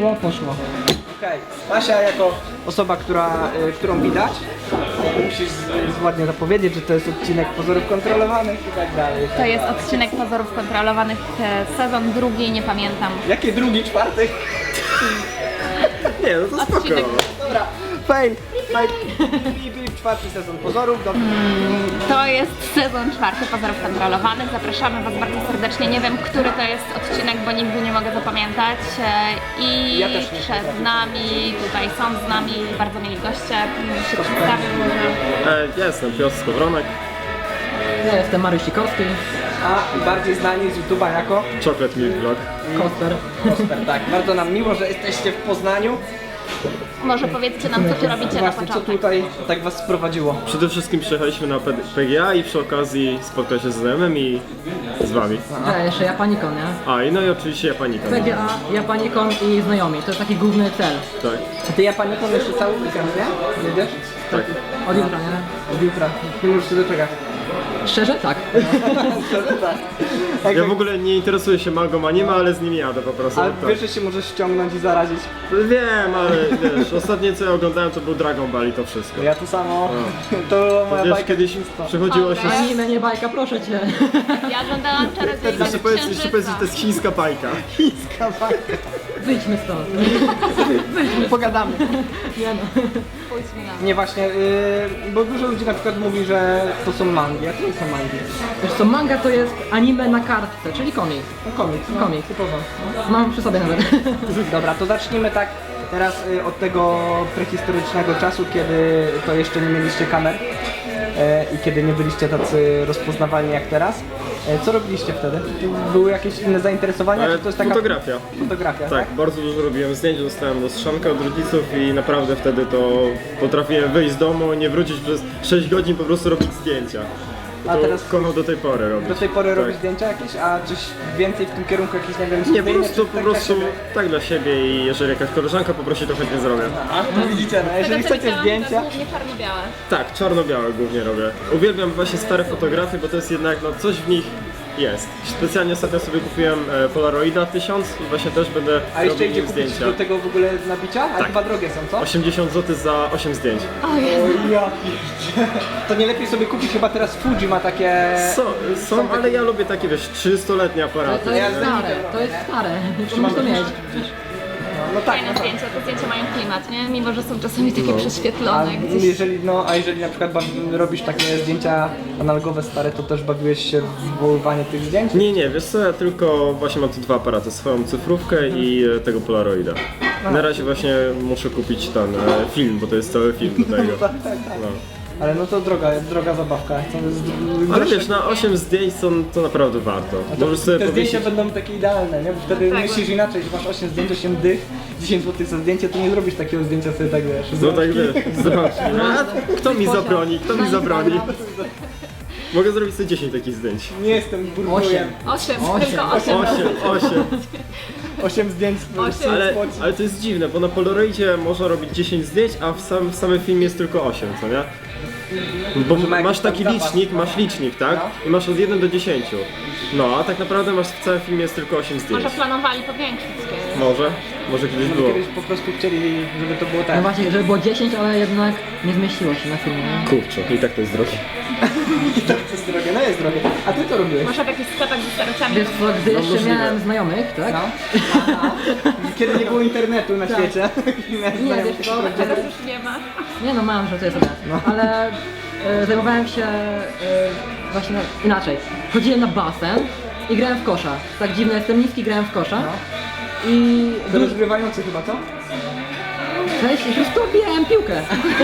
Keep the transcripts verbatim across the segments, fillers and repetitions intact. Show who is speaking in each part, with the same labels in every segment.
Speaker 1: poszło, poszło. Okej, okay. Basia jako osoba, która, y, którą widać, y, musisz z, z ładnie zapowiedzieć, że to jest odcinek pozorów kontrolowanych i tak dalej.
Speaker 2: To jest odcinek pozorów kontrolowanych, e, sezon drugi, nie pamiętam.
Speaker 1: Jakie drugi, czwarty?
Speaker 3: Nie, no to spoko.
Speaker 2: Odcinek.
Speaker 1: Dobra, fail, fail. Bip, bip, czwarty sezon pozorów, dobrze.
Speaker 2: To jest sezon czwarty pozorów kontrolowanych. Zapraszamy Was bardzo serdecznie. Nie wiem, który to jest odcinek, bo nigdy nie mogę zapamiętać. E, I
Speaker 1: Ja też nie
Speaker 2: przed
Speaker 1: potrafię.
Speaker 2: nami, tutaj są z nami bardzo mieli goście. Się przedstawię może.
Speaker 3: E, ja jestem Piotr Skowronek,
Speaker 4: Ja jestem Mariusz Sikorski,
Speaker 1: A bardziej znani z YouTube'a jako
Speaker 3: Chocolate Milk Vlog.
Speaker 4: Kosper.
Speaker 1: Kosper, tak. Bardzo nam miło, że jesteście w Poznaniu.
Speaker 2: Może powiedzcie nam, co Tu robicie na
Speaker 1: Właśnie, co
Speaker 2: początek.
Speaker 1: tutaj tak was sprowadziło?
Speaker 3: Przede wszystkim przyjechaliśmy na P G A i przy okazji spotkać się z znajomymi i z wami.
Speaker 4: Ja jeszcze Japanikon, nie?
Speaker 3: A i no i oczywiście Japanika.
Speaker 4: P G A, Japanikon i znajomi. To jest taki główny cel.
Speaker 3: Tak,
Speaker 1: A ty Japaniką jeszcze cały weekend, nie? Jedziesz?
Speaker 3: tak.
Speaker 4: Od jutra, nie?
Speaker 1: Od jutra. Nie możesz się doczekać.
Speaker 4: Szczerze? Tak.
Speaker 1: Szczerze tak. Jak
Speaker 3: Ja w ogóle nie interesuję się mangą anime, ale z nimi jadę po prostu.
Speaker 1: Ale
Speaker 3: tak.
Speaker 1: wiesz, że się możesz ściągnąć i zarazić.
Speaker 3: Wiem, ale wiesz, ostatnie co ja oglądałem to był Dragon Ball i to wszystko.
Speaker 1: Ja to samo. To moja
Speaker 3: Wiesz,
Speaker 1: bajka
Speaker 3: kiedyś
Speaker 1: dzieciństwa.
Speaker 3: przychodziło się...
Speaker 2: Dobra.
Speaker 4: Anime, nie bajka, proszę cię.
Speaker 2: Ja oglądałam Czarodziejkę
Speaker 3: Jeszcze
Speaker 2: z
Speaker 3: powiedz, jeszcze powiedz, że
Speaker 2: Księżyca.
Speaker 3: to jest chińska bajka.
Speaker 1: Chińska bajka.
Speaker 4: Wyjdźmy stąd.
Speaker 1: Pogadamy.
Speaker 4: Nie no.
Speaker 2: Pójdźmy na
Speaker 1: Nie właśnie, yy, bo dużo ludzi na przykład mówi, że to są mangi, a to nie są mangi.
Speaker 4: Wiesz co, manga to jest anime na kartce, czyli komiks.
Speaker 1: No komiks. No,
Speaker 4: Komiks.
Speaker 1: Typowo.
Speaker 4: Mam przy sobie nawet.
Speaker 1: Dobra, to zacznijmy tak teraz y, od tego prehistorycznego czasu, kiedy to jeszcze nie mieliście kamer e, i kiedy nie byliście tacy rozpoznawalni jak teraz. E, co robiliście wtedy? Były jakieś inne zainteresowania?
Speaker 3: Ale
Speaker 1: Czy to jest taka
Speaker 3: fotografia.
Speaker 1: Fotografia, tak?
Speaker 3: Tak, bardzo dużo robiłem zdjęć, dostałem lustrzankę od rodziców i naprawdę wtedy to potrafiłem wyjść z domu i nie wrócić przez sześć godzin, po prostu robić zdjęcia.
Speaker 1: A
Speaker 3: To
Speaker 1: teraz-
Speaker 3: kocham do tej pory robić.
Speaker 1: Do tej pory
Speaker 3: tak.
Speaker 1: robisz zdjęcia jakieś, a coś więcej w tym kierunku, jakieś, nie wiem,
Speaker 3: Nie, po
Speaker 1: studyjne,
Speaker 3: prostu,
Speaker 1: czy
Speaker 3: po
Speaker 1: tak dla
Speaker 3: prostu
Speaker 1: siebie?
Speaker 3: tak dla siebie i jeżeli jakaś koleżanka poprosi, to chętnie zrobię.
Speaker 1: A, to widzicie, no, jeżeli
Speaker 2: Tego, co
Speaker 1: chcecie
Speaker 2: widziałam,
Speaker 1: zdjęcia,
Speaker 2: To głównie czarno-białe.
Speaker 3: Tak, czarno-białe głównie robię. Uwielbiam właśnie stare fotografie, bo to jest jednak, no coś w nich jest. Specjalnie ostatnio sobie kupiłem e, Polaroida tysiąc i właśnie też będę
Speaker 1: a jeszcze
Speaker 3: robił
Speaker 1: idzie
Speaker 3: nim
Speaker 1: kupić
Speaker 3: zdjęcia.
Speaker 1: do tego w ogóle nabicia? A
Speaker 3: Tak.
Speaker 1: chyba drogie są, co?
Speaker 3: osiemdziesiąt złotych za osiem zdjęć.
Speaker 2: O Jezu.
Speaker 1: O ja pierdzie. To nie lepiej sobie kupić, chyba teraz Fuji ma takie...
Speaker 3: Są, są, ale ja lubię takie, wiesz, trzystuletnie
Speaker 4: Ale
Speaker 3: aparaty.
Speaker 4: to jest
Speaker 1: Ja
Speaker 4: stare, to jest stare. To musisz to mieć.
Speaker 1: No tak,
Speaker 2: Fajne
Speaker 1: no tak.
Speaker 2: zdjęcia, te zdjęcia mają klimat, nie? Mimo, że są czasami takie
Speaker 3: No.
Speaker 1: A
Speaker 2: prześwietlone gdzieś.
Speaker 1: jeżeli, no, a jeżeli na przykład bawi- robisz takie zdjęcia analogowe stare, to też bawiłeś się w wywoływanie tych zdjęć?
Speaker 3: Nie, nie, wiesz co, ja tylko właśnie mam tu dwa aparaty, swoją cyfrówkę i e, tego Polaroida. Na razie właśnie muszę kupić ten e, film, bo to jest cały film do tego.
Speaker 1: Tak, tak, tak.
Speaker 3: No.
Speaker 1: Ale no to droga, droga zabawka. To jest
Speaker 3: Ale
Speaker 1: grosze.
Speaker 3: wiesz, na osiem zdjęć to, to naprawdę warto.
Speaker 1: A to,
Speaker 3: Możesz sobie
Speaker 1: te zdjęcia
Speaker 3: powiesić...
Speaker 1: będą takie idealne, nie? Bo wtedy
Speaker 2: Tak,
Speaker 1: myślisz
Speaker 2: bo-
Speaker 1: inaczej, że masz osiem zdjęć, osiem dych, dziesięć złotych za zdjęcie, to nie zrobisz takiego zdjęcia sobie tak, wiesz.
Speaker 3: No tak wiesz, zobacz, nie? A kto mi zabroni, kto mi zabroni? Mogę zrobić sobie dziesięć takich zdjęć.
Speaker 1: Nie jestem burbujem.
Speaker 4: Osiem.
Speaker 2: Osiem,
Speaker 4: Osiem.
Speaker 2: tylko osiem.
Speaker 3: osiem, osiem.
Speaker 1: osiem zdjęć
Speaker 2: Osiem.
Speaker 3: Ale,
Speaker 1: spoci.
Speaker 3: ale to jest dziwne, bo na Polaroidzie można robić dziesięć zdjęć, a w, sam, w samym filmie jest tylko osiem, co nie? Bo
Speaker 1: Że ma
Speaker 3: masz
Speaker 1: jakiś tam
Speaker 3: taki
Speaker 1: zapas.
Speaker 3: licznik, masz licznik, tak?
Speaker 1: No.
Speaker 3: I masz od jeden do dziesięciu. No, a tak naprawdę masz w całym filmie jest tylko osiem zdjęć.
Speaker 2: Może planowali powiększyć. e,
Speaker 3: Może, może kiedyś było.
Speaker 1: Kiedyś po prostu chcieli, żeby to było
Speaker 4: No
Speaker 1: tak.
Speaker 4: właśnie, żeby było dziesięć, ale jednak nie zmieściło się na filmie.
Speaker 3: Kurczę, i tak to jest drogie.
Speaker 1: To jest drogie, no jest drogie. A ty to robiłeś?
Speaker 2: Może w jakichś sklepach ze starociami.
Speaker 4: Wiesz co, gdy
Speaker 3: No
Speaker 4: jeszcze
Speaker 3: możliwe.
Speaker 4: miałem znajomych, tak?
Speaker 1: No. Aha. Kiedy nie było internetu na
Speaker 4: Tak.
Speaker 1: świecie.
Speaker 4: Nie, wiesz co,
Speaker 2: Teraz już nie ma.
Speaker 4: nie no mam, że to jest sobie. Ale e, zajmowałem się e, właśnie inaczej. Chodziłem na basen i grałem w kosza. Tak dziwne, jestem niski, grałem w kosza. I
Speaker 1: To rozgrywający chyba, co?
Speaker 4: cześć, już to piłkę.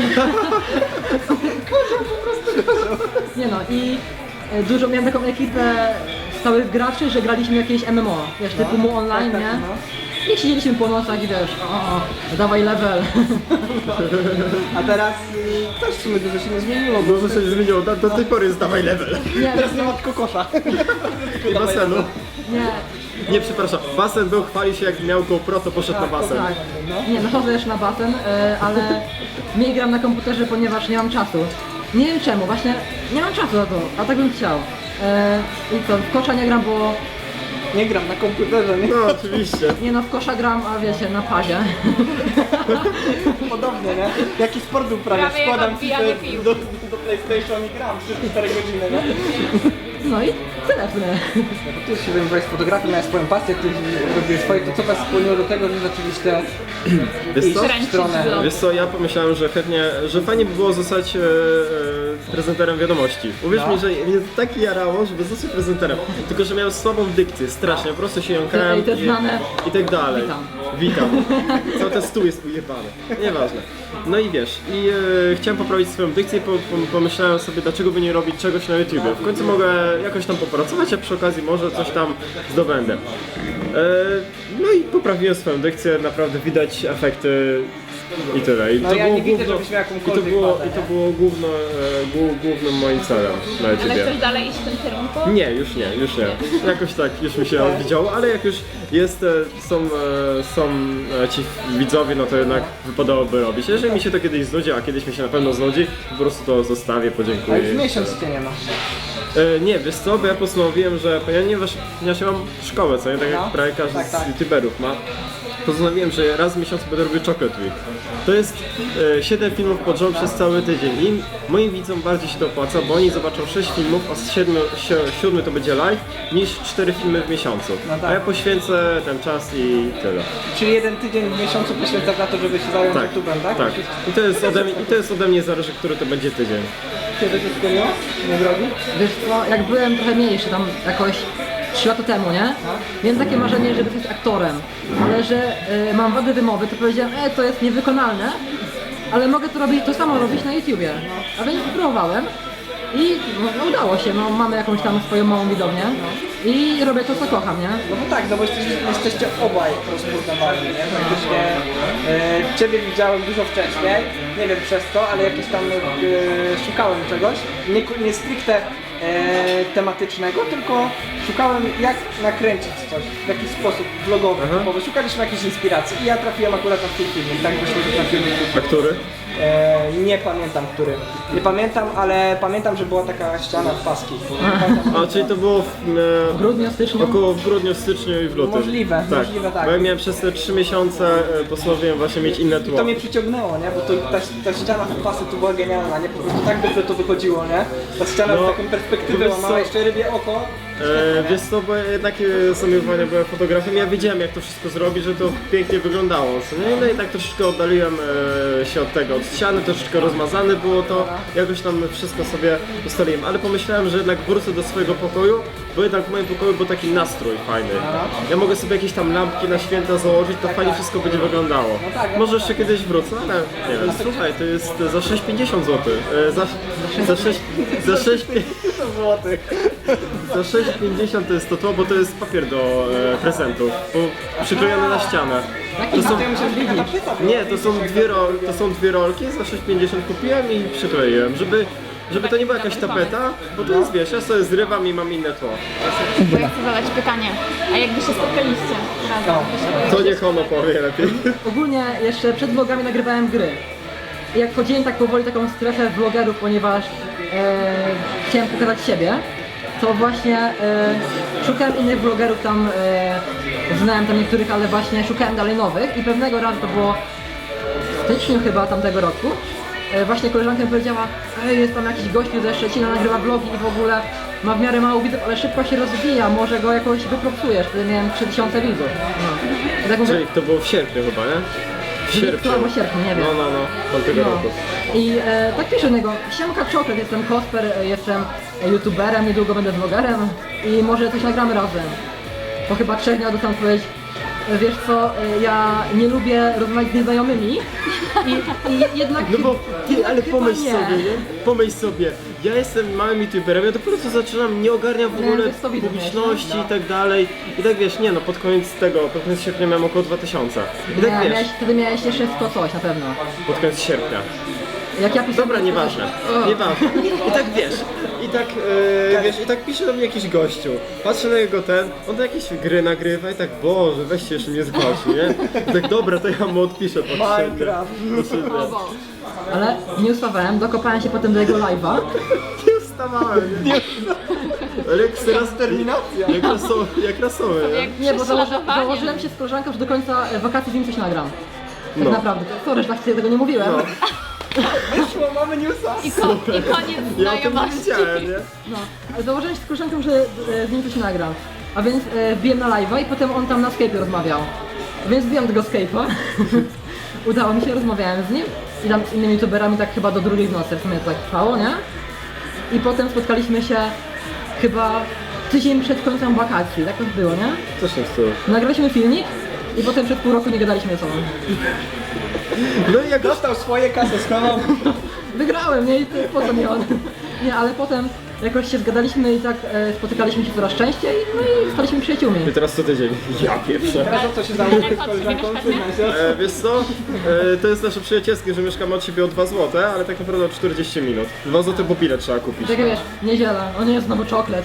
Speaker 4: Nie no i e, dużo miałem taką ekipę stałych graczy, że graliśmy jakieś M M O, wiesz, typu mu online,
Speaker 1: tak,
Speaker 4: nie?
Speaker 1: no.
Speaker 4: I siedzieliśmy po nocach i wiesz, o, o, dawaj level.
Speaker 1: A teraz y, też w sumie dużo się nie zmieniło, bo
Speaker 3: Dużo się zmieniło, do, do tej pory jest dawaj level.
Speaker 4: Nie,
Speaker 1: teraz nie ma tylko kosza.
Speaker 3: I basenu.
Speaker 4: nie,
Speaker 3: Nie, przepraszam, basen był, chwali się jak miał GoPro, to poszedł na basen.
Speaker 4: tak. Nie, no chodzę też na basen, e, ale mniej gram na komputerze, ponieważ nie mam czasu. Nie wiem czemu, właśnie nie mam czasu na to, a tak bym chciał. E, I co, w kosza nie gram, bo
Speaker 1: Nie gram na komputerze, nie?
Speaker 3: No oczywiście.
Speaker 4: Nie no, w kosza gram, a wiecie, na padzie.
Speaker 1: Podobnie, nie? Jaki sport uprawiasz?
Speaker 2: Prawie jak
Speaker 1: Składam
Speaker 2: odbijanie
Speaker 1: FIFA
Speaker 2: piłki.
Speaker 1: do, do PlayStation i gram trzy cztery godziny, nie?
Speaker 4: No i tyle w sumie.
Speaker 1: No bo ty się zajmowałeś fotografią, miałeś swoją pasję, ty robiłeś swoje, to co was skłoniło do tego, że zaczęliście
Speaker 3: Wiesz
Speaker 1: iść
Speaker 3: co?
Speaker 1: w
Speaker 2: Kręcić
Speaker 1: stronę...
Speaker 2: vlog.
Speaker 3: Wiesz co, ja pomyślałem, że chętnie, że fajnie by było zostać e, e, prezenterem wiadomości. Uwierz
Speaker 1: No.
Speaker 3: mi, że mnie tak jarało, żeby zostać prezenterem. Tylko, że miałem słabą dykcję, strasznie, po prostu się jąkałem
Speaker 4: I te znane-
Speaker 3: i tak dalej.
Speaker 4: Witam.
Speaker 3: Witam. Cały ten stół jest ujebany. Nieważne. No i wiesz, i e, chciałem poprawić swoją dykcję i po, po, pomyślałem sobie, dlaczego by nie robić czegoś na YouTubie. W końcu mogę jakoś tam popracować, a przy okazji może coś tam zdobędę. E, no i poprawiłem swoją dykcję, naprawdę widać efekty i tyle. I
Speaker 1: No ja nie widzę, żebyś miał
Speaker 3: i to
Speaker 1: jakąkolwiek
Speaker 3: było,
Speaker 1: wadę,
Speaker 3: i to
Speaker 1: nie?
Speaker 3: było główno, e, głó- głównym moim celem na
Speaker 2: Ale
Speaker 3: YouTubie.
Speaker 2: chcesz dalej iść w tym kierunku?
Speaker 3: Nie, już nie, już nie. Jakoś tak już mi się odwiedziało, ale jak już jest, e, są, e, są e, ci widzowie, no to jednak wypadałoby robić. Jeżeli mi się to kiedyś znudzi, a kiedyś mi się na pewno znudzi, po prostu to zostawię,
Speaker 1: A
Speaker 3: podziękuję.
Speaker 1: już miesiąc cię nie ma.
Speaker 3: E, nie, wiesz co, bo ja postanowiłem, że ponieważ ponieważ ja mam szkołę, co nie, tak
Speaker 1: No.
Speaker 3: jak prawie każdy
Speaker 1: Tak, tak.
Speaker 3: z youtuberów ma, postanowiłem, że raz w miesiącu będę robił Chocolate Week. To jest e, siedem filmów pod rząd przez cały tydzień i moim widzom bardziej się to opłaca, bo oni zobaczą sześć filmów, a z siedmiu, si- siódmy to będzie live, niż cztery filmy w miesiącu.
Speaker 1: No tak.
Speaker 3: A ja poświęcę ten czas i tyle.
Speaker 1: Czyli jeden tydzień w miesiącu poświęcasz na to, żeby się zająć
Speaker 3: Tak,
Speaker 1: YouTube'em, tak?
Speaker 3: tak. I to jest ode mnie, i to jest ode mnie zależy, który to będzie tydzień.
Speaker 1: Kiedy to spełniło? Nie drogi?
Speaker 4: Wiesz co, jak byłem trochę mniejszy, tam jakoś trzy lata temu, nie? Miałem takie marzenie, żeby być aktorem, ale że y, mam wady wymowy, to powiedziałem, e, to jest niewykonalne, ale mogę to robić, to samo robić na YouTubie. A więc spróbowałem i no, udało się, no, mamy jakąś tam swoją małą widownię i robię to, co kocham, nie?
Speaker 1: No bo tak, no bo jesteście, jesteście obaj rozpoznawalni, nie? Praktycznie e, Ciebie widziałem dużo wcześniej, nie wiem przez co, ale jakieś tam e, szukałem czegoś, nie, ku- nie stricte e, tematycznego, tylko szukałem jak nakręcić coś w jakiś sposób vlogowy, bo szukaliśmy jakiejś inspiracji i ja trafiłem akurat na ten film, i tak wyszło, że trafiłem na
Speaker 3: A
Speaker 1: film.
Speaker 3: który?
Speaker 1: E, nie pamiętam który, nie pamiętam, ale pamiętam, że była taka ściana w paski.
Speaker 3: A, czyli to było w, e,
Speaker 4: W grudniu, styczniu.
Speaker 3: około w grudniu, styczniu i w lutym.
Speaker 1: Możliwe, możliwe, tak.
Speaker 3: Bo ja miałem przez te trzy miesiące, e, postanowiłem właśnie mieć inne tło.
Speaker 1: To mnie przyciągnęło, nie? Bo to, ta, ta ściana w pasy tu była genialna, nie? Po prostu tak dobrze to wychodziło, nie? Ta ściana
Speaker 3: No,
Speaker 1: z taką perspektywą
Speaker 3: wiesz
Speaker 1: ma
Speaker 3: co?
Speaker 1: jeszcze rybie oko.
Speaker 3: E, wiesz co, bo jednak e, zamiłowania byłem fotografem, ja wiedziałem jak to wszystko zrobić, że to pięknie wyglądało, co nie? No i tak troszeczkę oddaliłem e, się od tego, od ściany, troszeczkę rozmazane było to, jakoś tam wszystko sobie ustaliłem, ale pomyślałem, że jednak wrócę do swojego pokoju, bo jednak w moim pokoju był taki nastrój fajny. Ja mogę sobie jakieś tam lampki na święta założyć, to fajnie wszystko będzie wyglądało.
Speaker 1: No tak, no
Speaker 3: Może jeszcze kiedyś wrócę, ale nie wiem, słuchaj, to jest za sześć pięćdziesiąt złotych, e, za, za sześć, za sześć,
Speaker 1: złotych.
Speaker 3: za sześć pięćdziesiąt to jest to tło, bo to jest papier do e, prezentów, bo przyklejony na ścianę. To są,
Speaker 1: To ja myślę, że taka tapeta była.
Speaker 3: nie, to są dwie, rol, to są dwie rolki, za sześć pięćdziesiąt kupiłem i przykleiłem, żeby, żeby to nie była jakaś tapeta, bo to jest, wiesz, ja sobie zrywam i mam inne tło.
Speaker 2: To ja chcę zadać pytanie. A jakby się spotkaliście razem?
Speaker 1: No.
Speaker 3: To niech ono powie lepiej.
Speaker 4: Ogólnie jeszcze przed vlogami nagrywałem gry. I jak wchodziłem tak powoli w taką strefę vlogerów, ponieważ e, chciałem pokazać siebie, to właśnie e, szukałem innych vlogerów tam, e, znałem tam niektórych, ale właśnie szukałem dalej nowych i pewnego razu to było w styczniu chyba tamtego roku. E, właśnie koleżanka mi powiedziała, ej, jest tam jakiś gościu ze Szczecina, nagrywa vlogi i w ogóle ma w miarę mało widzów, ale szybko się rozwija, może go jakoś wypropsujesz. Wtedy miałem trzy tysiące widzów. No. I tak mówię,
Speaker 3: Czyli to było w sierpniu chyba, nie? W
Speaker 4: lipcu albo sierpniu, nie wiem.
Speaker 3: No, no, no, tamtego
Speaker 4: No.
Speaker 3: roku.
Speaker 4: I e, tak piszę do niego, siemka Chocolate, jestem Kosper, e, jestem e, youtuberem, niedługo będę vlogerem i może coś nagramy razem. Po chyba trzech dniach dostałem odpowiedź, e, wiesz co, e, ja nie lubię rozmawiać z nieznajomymi i, i jednak
Speaker 3: No bo ty, ale
Speaker 4: chyba
Speaker 3: pomyśl
Speaker 4: nie.
Speaker 3: sobie, nie? Pomyśl sobie, ja jestem małym youtuberem, ja dopiero co zaczynam, nie ogarniam w
Speaker 4: Nie,
Speaker 3: ogóle
Speaker 4: to jest to widać,
Speaker 3: publiczności
Speaker 4: nie?
Speaker 3: i tak dalej. I tak wiesz, nie no, pod koniec tego, pod koniec sierpnia miałem około dwa tysiące. I
Speaker 4: Nie,
Speaker 3: tak wiesz,
Speaker 4: miałeś, wtedy miałeś jeszcze sto coś na pewno.
Speaker 3: pod koniec sierpnia.
Speaker 4: Jak ja pisałem...
Speaker 3: Dobra, nieważne,
Speaker 4: O.
Speaker 3: nieważne. I tak wiesz, i tak, e, wiesz, i tak pisze do mnie jakiś gościu. Patrzę na jego ten, on to jakieś gry nagrywa i tak, Boże, weźcie jeszcze mnie zgłosi, nie? I tak, dobra, to ja mu odpiszę pod sierpnia.
Speaker 1: Minecraft.
Speaker 3: Pod sierpnia.
Speaker 4: Ale nie ustawałem, dokopałem się potem do jego live'a.
Speaker 3: Nie wstawałem, nie? Ale jak teraz
Speaker 1: terminacja.
Speaker 3: Jak rasowy, jak rasowy, nie?
Speaker 2: Jak
Speaker 4: Nie, bo założy,
Speaker 2: prześladowanie.
Speaker 4: założyłem się z koleżanką, że do końca e, wakacji z nim coś nagram. Tak
Speaker 3: No.
Speaker 4: naprawdę. Sorry, że tak sobie tego nie mówiłem.
Speaker 3: No.
Speaker 1: Wyszło, mamy newsa.
Speaker 2: I, ko- I koniec
Speaker 3: Ja o tym nie
Speaker 2: znajomości.
Speaker 3: wiedziałem, nie?
Speaker 4: No, ale założyłem się z koleżanką, że e, z nim coś nagram. A więc e, wbiłem na live'a i potem on tam na Skype'ie rozmawiał. A więc wbiłem tego Skype'a. Udało mi się, rozmawiałem z nim i tam z innymi youtuberami tak chyba do drugiej w nocy w sumie to tak trwało, nie? I potem spotkaliśmy się chyba tydzień przed końcem wakacji, tak to było, nie?
Speaker 3: Coś tam z tyłu.
Speaker 4: Nagraliśmy filmik i potem przez pół roku nie gadaliśmy ze sobą.
Speaker 3: No i jak
Speaker 1: Dostał swoje, kasę schował.
Speaker 4: Wygrałem, nie? I to po co mi on? Nie, ale potem jakoś się zgadaliśmy i tak e, spotykaliśmy się coraz częściej, no i staliśmy przyjaciółmi.
Speaker 3: I teraz co tydzień. Ja pierwsze.
Speaker 1: Teraz o co się założyć z
Speaker 2: Daleko od
Speaker 1: koleżanką?
Speaker 2: siebie
Speaker 1: Przyznaj się.
Speaker 3: E, wiesz co? E, to jest nasze przyjacielskie, że mieszkamy od siebie o dwa złote, ale tak naprawdę o czterdzieści minut. dwa złote po bilet trzeba kupić.
Speaker 4: Tak jak wiesz, niedziela, o nie jest znowu czoklet.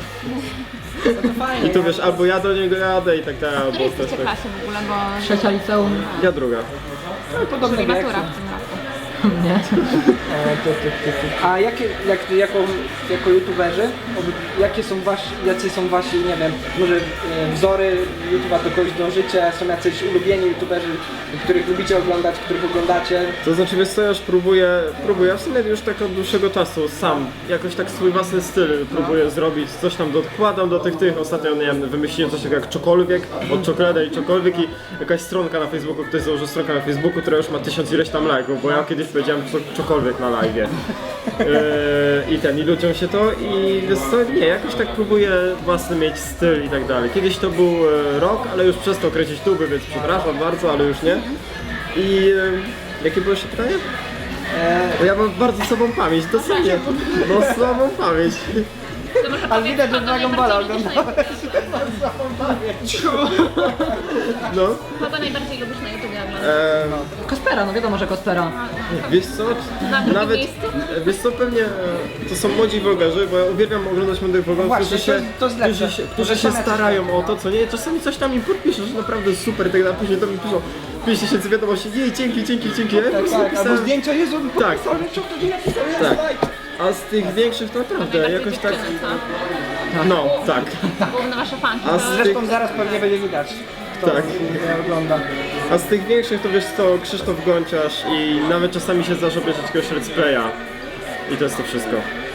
Speaker 3: I tu wiesz, albo ja do niego jadę i tak dalej,
Speaker 2: W
Speaker 3: albo
Speaker 2: której
Speaker 3: też
Speaker 2: jesteście
Speaker 3: tak.
Speaker 2: klasie w ogóle, bo...
Speaker 4: Trzecia liceum.
Speaker 3: Ja druga.
Speaker 1: Podobny
Speaker 2: Czyli
Speaker 1: wiek.
Speaker 2: matura w tym roku.
Speaker 4: Nie.
Speaker 1: E, ty, ty, ty, ty. A jakie, jak, jako, jako youtuberzy, oby- jakie są wasi, jacy są wasi, nie wiem, może e, wzory YouTube'a, do kogoś dążycie, są jacyś ulubieni youtuberzy, których lubicie oglądać, których oglądacie?
Speaker 3: To znaczy, wiesz co, ja już próbuję, próbuję, w sumie już tak od dłuższego czasu sam, jakoś tak swój własny styl próbuję zrobić, coś tam dokładam do tych tych, ostatnio, nie wiem, wymyśliłem coś takiego jak Czokolwiek, od Czokolada i Czokolwiek i jakaś stronka na Facebooku, ktoś założył stronkę na Facebooku, która już ma tysiąc ileś tam lajków, bo ja kiedyś powiedziałem co, Czokolwiek na live'ie. Yy, I ten, i ludziom się to i wiesz co, nie, jakoś tak próbuję własny mieć styl i tak dalej. Kiedyś to był e, rok, ale już przestał kręcić tuby, więc przepraszam bardzo, ale już nie. I e, jakie było jeszcze pytanie? Bo ja mam bardzo słabą pamięć, dosłownie. No słabą pamięć.
Speaker 2: To może
Speaker 1: Ale
Speaker 2: powiedz,
Speaker 1: widać, że
Speaker 2: kogo
Speaker 1: Dragon Balla
Speaker 2: najbardziej lubisz na
Speaker 3: No.
Speaker 2: Kogo najbardziej lubisz na YouTubie oglądać?
Speaker 3: E,
Speaker 4: Kospera, no wiadomo, że Kospera.
Speaker 3: wiesz co?
Speaker 2: Na drugim
Speaker 3: Nawet,
Speaker 2: miejscu?
Speaker 3: wiesz co, pewnie e, to są młodzi vlogerzy, bo ja uwielbiam oglądać młodych vlogerów,
Speaker 1: Właśnie,
Speaker 3: którzy
Speaker 1: to
Speaker 3: się,
Speaker 1: jest- to jest lepsze.
Speaker 3: którzy się, którzy
Speaker 1: Może
Speaker 3: się
Speaker 1: same
Speaker 3: starają
Speaker 1: coś
Speaker 3: o to, co nie. Czasami coś tam im podpiszesz, że naprawdę super, i tak dalej, później do mnie piszą pięć tysięcy wiadomości, jej, dzięki, dzięki, dzięki. Ja po
Speaker 1: Tak,
Speaker 3: prostu
Speaker 1: tak, albo
Speaker 3: pisałem-
Speaker 1: zdjęcia, Jezu,
Speaker 3: Tak.
Speaker 1: napisał, że co to nie napisał, jest
Speaker 3: Tak.
Speaker 1: like.
Speaker 3: A z tych większych to naprawdę
Speaker 2: Najbardziej
Speaker 3: jakoś tak.
Speaker 2: dziewczyny, co?
Speaker 3: No, tak.
Speaker 2: Główne wasze fanki.
Speaker 3: A
Speaker 2: to-
Speaker 3: z
Speaker 1: Zresztą zaraz pewnie będzie widać, kto
Speaker 3: Tak.
Speaker 1: nie ogląda.
Speaker 3: A z tych większych to wiesz co, Krzysztof Gonciarz i nawet czasami się zdarza obejrzeć jakiegoś let's playa. I to jest to wszystko.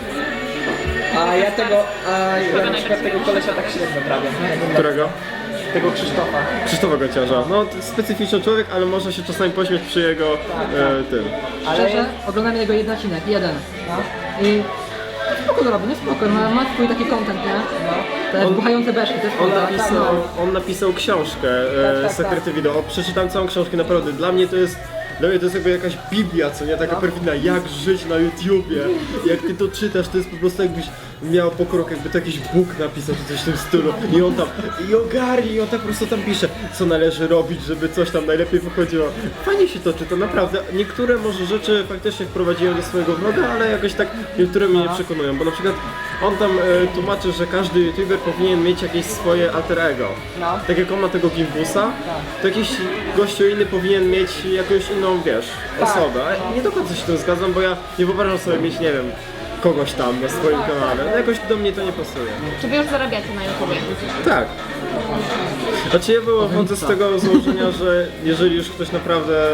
Speaker 1: A ja tego, a ja na przykład tego kolesia tak średnio prawie.
Speaker 3: Którego?
Speaker 1: Tego Krzysztofa.
Speaker 3: Krzysztofa Gonciarza. No, to specyficzny człowiek, ale można się czasami pośmiać przy jego e, tym.
Speaker 4: Szczerze, oglądam jego jeden odcinek, jeden.
Speaker 1: No.
Speaker 4: I spoko robi, no spoko, ma, ma swój taki content, nie? Te
Speaker 3: On-
Speaker 4: buchające beszki, to jest
Speaker 3: On
Speaker 4: spoko.
Speaker 3: napisał, on napisał książkę,
Speaker 1: Tak,
Speaker 3: e,
Speaker 1: tak,
Speaker 3: Sekrety Wideo. Przeczytałem całą książkę, naprawdę. Dla mnie to jest, dla mnie to jest jakby jakaś biblia, co nie? Taka perfidna, jak żyć na YouTubie. Jak ty to czytasz, to jest po prostu jakbyś miał po krok, jakby to jakiś Bóg napisał, czy coś w tym stylu. I on tam, i ogarni, i on tak po prostu tam pisze, co należy robić, żeby coś tam najlepiej wychodziło. Fajnie się to czyta, naprawdę. Niektóre może rzeczy faktycznie wprowadziłem do swojego vloga, ale jakoś tak niektóre mnie nie przekonują, bo na przykład on tam e, tłumaczy, że każdy YouTuber powinien mieć jakieś swoje alter ego.
Speaker 1: No.
Speaker 3: Tak jak on ma tego Gimbusa, to jakiś gościu inny powinien mieć jakąś inną, wiesz,
Speaker 1: Tak.
Speaker 3: osobę. A nie do końca się tym zgadzam, bo ja nie wyobrażam sobie mieć, nie wiem, kogoś tam na swoim kanale. No jakoś do mnie to nie pasuje.
Speaker 2: Czy wy już zarabiacie na YouTubie?
Speaker 3: Tak. Znaczy ja wychodzę z tego założenia, że jeżeli już ktoś naprawdę...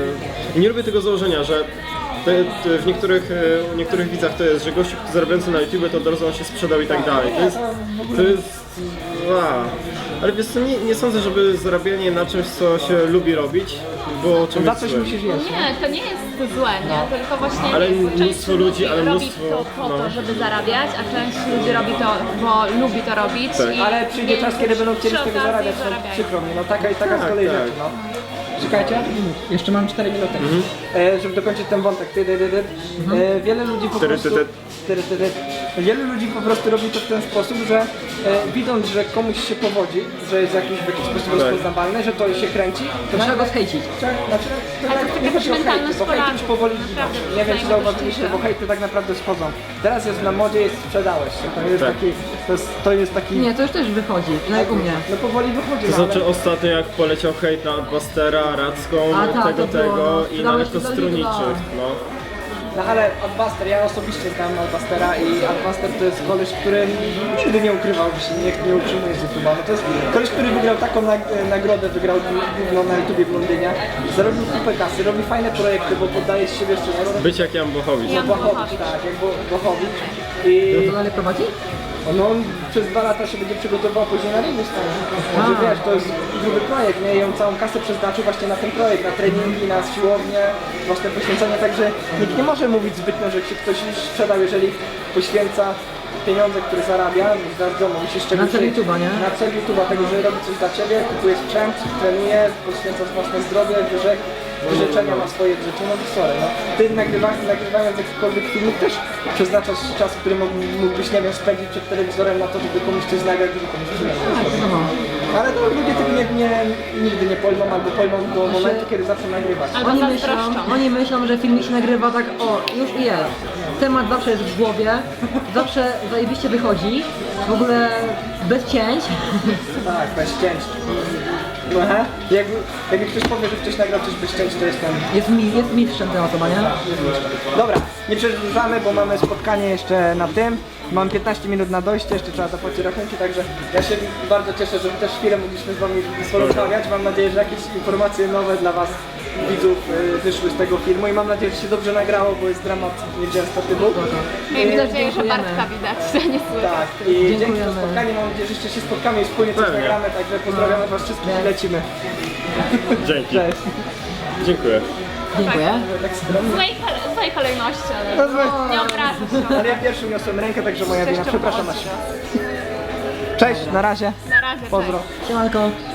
Speaker 3: e, Nie lubię tego założenia, że te, te w niektórych, e, u niektórych widzach to jest, że gościu zarabiający na YouTube to od razu on się sprzedał i tak dalej. To jest... To jest a, ale wiesz co, nie, nie sądzę, żeby zarabianie na czymś, co się lubi robić, było czymś
Speaker 1: Za coś
Speaker 3: złym.
Speaker 1: musisz
Speaker 2: No
Speaker 1: jeść.
Speaker 2: nie, to nie jest złe, nie? Tylko właśnie
Speaker 3: Ale
Speaker 2: część
Speaker 3: mnóstwo ludzi, ale
Speaker 2: robi
Speaker 3: mnóstwo,
Speaker 2: to po
Speaker 3: no.
Speaker 2: to, żeby zarabiać, a część ludzi robi to, bo lubi to robić.
Speaker 3: Tak.
Speaker 2: I
Speaker 1: Ale przyjdzie
Speaker 2: więc
Speaker 1: czas, kiedy będą chcieli
Speaker 2: przy
Speaker 1: z tego
Speaker 2: okazji
Speaker 1: zarabiać, no,
Speaker 2: zarabiają.
Speaker 1: przykro mi, no taka i taka
Speaker 3: Tak,
Speaker 1: z kolei
Speaker 3: tak.
Speaker 1: rzeczy, no. Czekajcie, jeszcze mam cztery minuty, e, żeby dokończyć ten wątek. Ty, ty, ty, ty. E, wiele ludzi po
Speaker 3: Ty, ty,
Speaker 1: prostu...
Speaker 3: ty.
Speaker 1: Ty, ty, ty. Wiele ludzi po prostu robi to w ten sposób, że e, widząc, że komuś się powodzi, że jest jakiś w jakiś sposób
Speaker 3: Tak.
Speaker 1: rozpoznawalny, że to się kręci, to
Speaker 4: Trzeba
Speaker 1: nagle-
Speaker 4: go zhejcić.
Speaker 1: Znaczy, to
Speaker 2: Ale
Speaker 1: tak,
Speaker 2: to
Speaker 1: nie
Speaker 2: taka
Speaker 1: chodzi o hejty,
Speaker 2: mentalność
Speaker 1: bo hejty już
Speaker 2: Polaków,
Speaker 1: powoli
Speaker 2: naprawdę,
Speaker 1: giną. Nie wiem, czy
Speaker 2: znajdę
Speaker 1: zauważyliście,
Speaker 2: dość
Speaker 1: bo hejty tak naprawdę schodzą. Teraz jest na modzie, jest sprzedałeś się. To jest
Speaker 3: Tak.
Speaker 1: taki, to jest, to jest taki...
Speaker 4: Nie, to już też wychodzi, no jak u mnie.
Speaker 1: No powoli wychodzi,
Speaker 3: To
Speaker 1: no,
Speaker 3: znaczy
Speaker 1: ale...
Speaker 3: ostatnio jak poleciał hejt na Bustera, Radzką,
Speaker 4: A, tak,
Speaker 3: tego,
Speaker 4: to było,
Speaker 3: tego
Speaker 4: no.
Speaker 3: i
Speaker 4: Sprzedałeś
Speaker 3: nawet
Speaker 4: się za
Speaker 3: Kostruniczych,
Speaker 4: dużo.
Speaker 3: no.
Speaker 1: No ale Adbuster, ja osobiście znam Adbustera i Adbuster to jest koleś, który nigdy nie ukrywał, że się nie, nie utrzymuje z YouTube'a. No to jest koleś, który wygrał taką nag nagrodę, wygrał gówno na YouTubie w Londynie, zarobił kupę kasy, robi fajne projekty, bo poddaje z siebie jeszcze
Speaker 3: Być jak Jan Bochowicz.
Speaker 2: Jan
Speaker 1: Bochowicz,
Speaker 2: Bochowicz.
Speaker 1: tak, jak Bo Bochowicz. I
Speaker 4: To dalej prowadzi?
Speaker 1: no, on przez dwa lata się będzie przygotował później na ringu stanie. Także
Speaker 4: A.
Speaker 1: wiesz, to jest gruby projekt, nie? I on całą kasę przeznaczył właśnie na ten projekt, na treningi, na siłownię, własne poświęcenie, także nikt nie może mówić zbytnio, że się ktoś sprzedał, jeżeli poświęca pieniądze, które zarabia, wiadomo, musisz czegoś...
Speaker 4: Na cel YouTube'a, nie?
Speaker 1: Na cel YouTube'a, tego, że robi coś dla Ciebie, kupuje sprzęt, trenuje, poświęca własne zdrowie, wyrzek, wyrzeczenia ma swoje rzeczy, no to sorry, no. Ty nagrywając, nagrywając jakikolwiek filmik też przeznaczasz czas, który mógł- mógłbyś, nie wiem, spędzić przed telewizorem na to, żeby komuś coś nagrać, żeby komuś coś nagrać.
Speaker 4: No.
Speaker 1: Ale no, ludzie tego nie, nie, nigdy nie pojmą, albo pojmą do momentu, kiedy zaczną nagrywać.
Speaker 2: Albo
Speaker 4: Oni myślą,
Speaker 2: zazdroszczą.
Speaker 4: oni myślą, że filmik się nagrywa tak, o, już i jest. Temat zawsze jest w głowie, zawsze zajebiście wychodzi, w ogóle bez cięć.
Speaker 1: Tak, bez cięć. Aha. Jakby, jakby ktoś powie, że ktoś nagrał coś bez cięć, to jestem...
Speaker 4: Jest, mi, jest mistrzem ta osoba, nie?
Speaker 1: Dobra, nie przedłużamy, bo mamy spotkanie jeszcze na tym. Mam piętnaście minut na dojście, jeszcze trzeba zapłacić rachunki, także ja się bardzo cieszę, że też chwilę mogliśmy z Wami porozmawiać. Mam nadzieję, że jakieś informacje nowe dla Was, widzów, y, wyszły z tego filmu i mam nadzieję, że się dobrze nagrało, bo jest dramat nieczęsto typu.
Speaker 2: Miejmy nadzieję, że
Speaker 4: dziękujemy.
Speaker 2: Bartka widać, że nie słychać.
Speaker 1: Tak, i dzięki za
Speaker 4: Dziękujemy.
Speaker 1: spotkanie, mam nadzieję, że jeszcze się spotkamy i wspólnie coś
Speaker 3: Pewnie.
Speaker 1: nagramy, także pozdrawiamy Was wszystkich i lecimy.
Speaker 3: Dzięki.
Speaker 1: Cześć.
Speaker 3: Dziękuję.
Speaker 4: Dziękuję.
Speaker 1: Tak skromnie.
Speaker 2: W złej, kole- w złej kolejności, ale
Speaker 1: No złe.
Speaker 2: nie obrażę się.
Speaker 1: Ale ja pierwszy niosłem rękę, także moja wina,
Speaker 2: Jeszcze
Speaker 1: przepraszam.
Speaker 2: młodszy.
Speaker 1: Cześć, na razie.
Speaker 2: Na razie,
Speaker 1: Pozdro.
Speaker 2: cześć.
Speaker 4: Siemanko.